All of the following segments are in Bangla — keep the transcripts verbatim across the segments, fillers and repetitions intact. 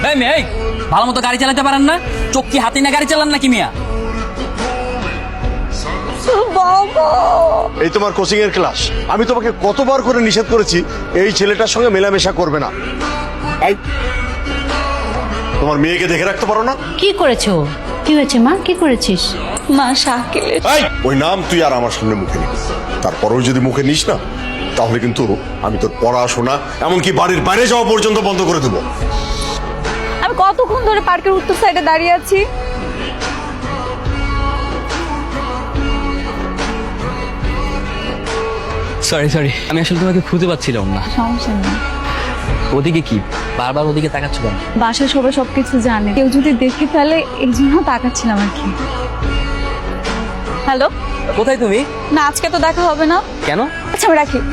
এই মেয়ে, এই ভালো মতো গাড়ি চালাতে পারেন না? চোখ কি হাতে না গাড়ি চালান নাকি মিয়া? এই তোমার কোচিং এর ক্লাস। আমি তোমাকে কতবার করে নিষেধ করেছি এই ছেলেটার সঙ্গে মেলামেশা করবে না। এই, তোমার মেয়েকে দেখে রাখতে পারো না? কি করেছো? কি হয়েছে মা? কি করেছিস? মা শাকিলের এই, ওই নাম তুই আর আমার সামনে মুখে নিস। তারপরেও যদি মুখে নিস না, তাহলে কিন্তু আমি তোর পড়াশোনা এমনকি বাড়ির বাইরে যাওয়া পর্যন্ত বন্ধ করে দেবো। আমি কতক্ষণ ধরে পার্কের উত্তর সাইডে দাঁড়িয়ে আছি। সরি সরি, আমি আসলে তোমাকে খুঁজে পাচ্ছিলাম না। সমস্যা নেই। ওদিকে কি বারবার ওদিকে তাকাচ্ছ কেন? বাসায় সবাই সবকিছু জানে, কেউ যদি দেখে ফেলে এই জন্য তাকাচ্ছিলাম আর কি। হ্যালো, কোথায় তুমি? না আজকে তো দেখা হবে না। কেন? আচ্ছা আমি রাখি।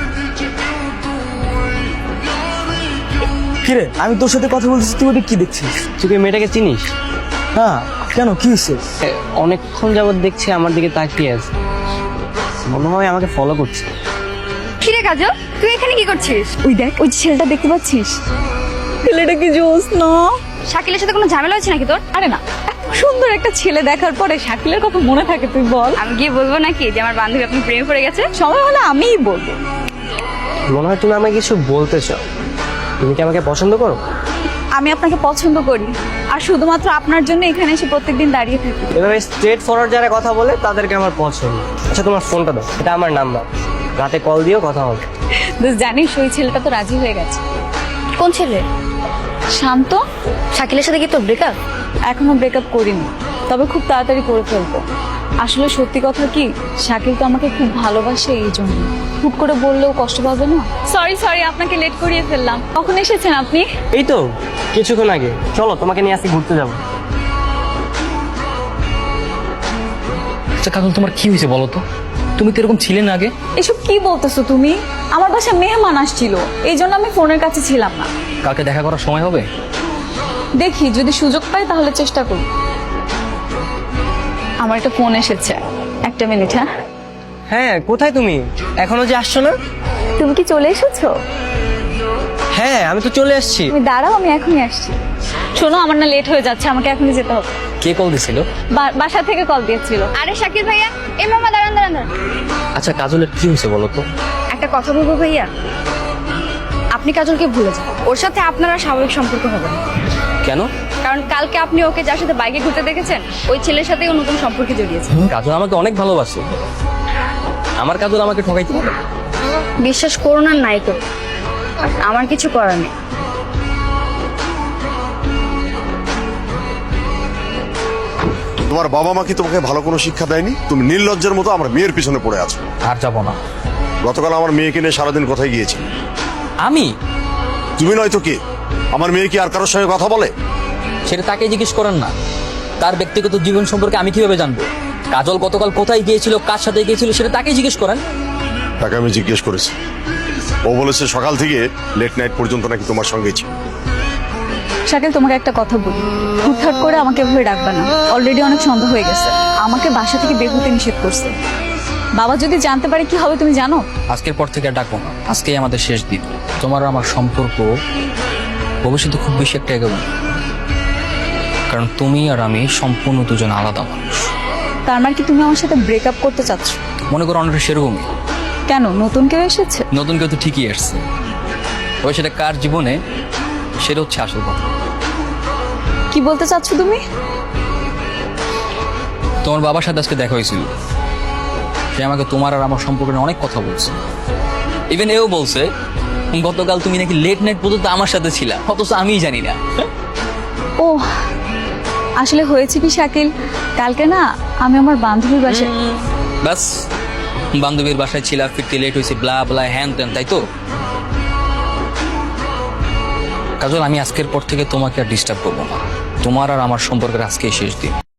কিরে, আমি তোর সাথে কথা বলতেছি, তুই ওদিকে কি দেখছিস? তুই কি মেয়েটাকে চিনিস? না, কেন, কি হয়েছে? এ, অনেকক্ষণ যাবত দেখছি আমার দিকে তাকিয়ে আছে, মনে হয় আমাকে ফলো করছে। কিরে কাজল, তুই এখানে কি করছিস? ওই দেখ, ওই ছেলেটা দেখতে পাচ্ছিস? ছেলেটা কি জোস না? শাকিলের সাথে কোনো ঝামেলা হচ্ছে নাকি তোর? আরে না, এত সুন্দর একটা ছেলে দেখার পরে শাকিলের কথা মনে থাকে তুই বল? আমি গিয়ে বলবো নাকি যে আমার বান্ধবী আপনি প্রেমে পড়ে গেছে? সময় হলে আমিই বলবো। মনে হয় তুমি আমাকে কিছু বলতে চাও। তুমি কি আমাকে পছন্দ করো? আমি আপনাকে পছন্দ করি, আর শুধুমাত্র আপনার জন্য এখানে এসে প্রত্যেকদিন দাঁড়িয়ে থাকি। এভাবে স্ট্রেট ফরওয়ার্ড যারা কথা বলে তাদেরকে আমার পছন্দ। আচ্ছা তোমার ফোনটা দাও, এটা আমার নাম্বার, রাতে কল দিও, কথা হবে। বেশ, জানিস ওই ছেলেটা তো রাজি হয়ে গেছে। কোন ছেলে? শান্ত। শাকিলের সাথে কি তোর ব্রেকআপ? এখনো ব্রেকআপ করিনি, তবে খুব তাড়াতাড়ি করে ফেলবো। আসলে সত্যি কথা কি, শাকিল তো আমাকে খুব ভালোবাসে, এই জন্য হুট করে বললেও কষ্ট পাবে না। সরি সরি, আপনাকে লেট করিয়ে ফেললাম। কখন এসেছেন আপনি? এই তো কিছুক্ষণ আগে। চলো তোমাকে নিয়ে আজকে ঘুরতে যাবো। আচ্ছা কাজল, তোমার কি হয়েছে বলো তো? তুমি তো এরকম ছিলে না আগে। এসব কি বলতেছো তুমি? আমার বাসায় মেহমান আসছিল, এই জন্য আমি ফোনের কাছে ছিলাম না। কালকে দেখা করার সময় হবে? দেখি যদি সুযোগ পাই তাহলে চেষ্টা করি। আমার একটা ফোন এসেছে, একটা মিনিট। হ্যাঁ হ্যাঁ, কোথায় তুমি? এখনো যে আসছো না? তুমি কি চলে এসেছো? হ্যাঁ আমি তো চলে এসেছি। তুমি দাঁড়াও, আমি এখনই আসছি। শোনো, আমার না লেট হয়ে যাচ্ছে, আমাকে এখনই যেতে হবে। কে কল দিছিল? বা- বাসা থেকে কল দিয়েছিল। আরে শাকির ভাইয়া, এই মামা দাঁড়ান দাঁড়ান দাঁড়ান। আচ্ছা কাজলের কি হয়েছে বলো তো? একটা কথা বলবো ভাইয়া, আপনি কাজলকে ভুলে যান। ওর সাথে আপনার আর স্বাভাবিক সম্পর্ক হবে না। কেন? কারণ কালকে আপনি ওকে যার সাথে বাইকে ঘুরতে দেখেছেন, ওই ছেলের সাথেই ও নতুন সম্পর্কে জড়িয়েছে। কাজল আমাকে অনেক ভালোবাসে, আমার কাজল আমাকে ঠকাইতে পারে? বিশ্বাস করুন আর নাই তো, আমার কিছু করার নেই। তোমার বাবা মা কি তোমাকে ভালো কোনো শিক্ষা দেয়নি? তুমি নির্লজ্জের মতো আমার মেয়ের পিছনে পড়ে আছো। আর যাবো না। গতকাল আমার মেয়েকে নিয়ে সারাদিন কোথায় গিয়েছি? আমি? তুমি নয়তো কে? আমার মেয়ে কি আর কারোর সঙ্গে কথা বলে? সেটা তাকে জিজ্ঞেস করেন না। তার ব্যক্তিগত জীবন সম্পর্কে আমি কিভাবে জানবো? কাজল গতকাল কোথায় গিয়েছিল, কার সাথে গিয়েছিল, সেটা তাকেই জিজ্ঞেস করেন। তাকে আমি জিজ্ঞেস করেছি, ও বলেছে সকাল থেকে লেট নাইট পর্যন্ত নাকি তোমার সঙ্গেই ছিল। শাকিল, তোমাকে একটা কথা বলি, হুটহাট করে আমাকে এভাবে ডাকবা না। অলরেডি অনেক সন্দেহ হয়ে গেছে, আমাকে বাসা থেকে বের হতে নিষেধ করছে। বাবা যদি জানতে পারে কি হবে তুমি জানো? আজকের পর থেকে আর ডাকবো না, আজকেই আমাদের শেষ দিন। তোমার আর আমার সম্পর্ক ভবিষ্যতে খুব বেশি একটা এগোবে না, কারণ তুমি আর আমি সম্পূর্ণ দুজন আলাদা মানুষ। তার মানে কি তুমি আমার সাথে ব্রেকআপ করতে চাচ্ছ? মনে করো অনেকটা সেরকমই। কেন, নতুন কেউ এসেছে? নতুন কেউ তো ঠিকই আসছে, ওই সেটা কার জীবনে সেটা হচ্ছে আসল কথা। কি বলতে চাচ্ছ তুমি? তোমার বাবার সাথে আজকে দেখা হয়েছিল, সে আমাকে তোমার আর আমার সম্পর্কে অনেক কথা বলছে। ইভেন এও বলছে গতকাল তুমি নাকি লেট নাইট পর্যন্ত আমার সাথে ছিলা, অথচ আমিই জানি না। ও আসলে হয়েছে কি শাকিল, কালকে না আমি আমার বান্ধবীর বাসায়। বাস, বান্ধবীর বাসায় ছিলা, ফিরতে লেট হয়েছে, ব্লা ব্লা হ্যান ত্যান, তাই তো? কাজল, আমি আজকের পর থেকে তোমাকে আর ডিস্টার্ব করবো না। তোমার আর আমার সম্পর্কের আজকেই শেষ দিন।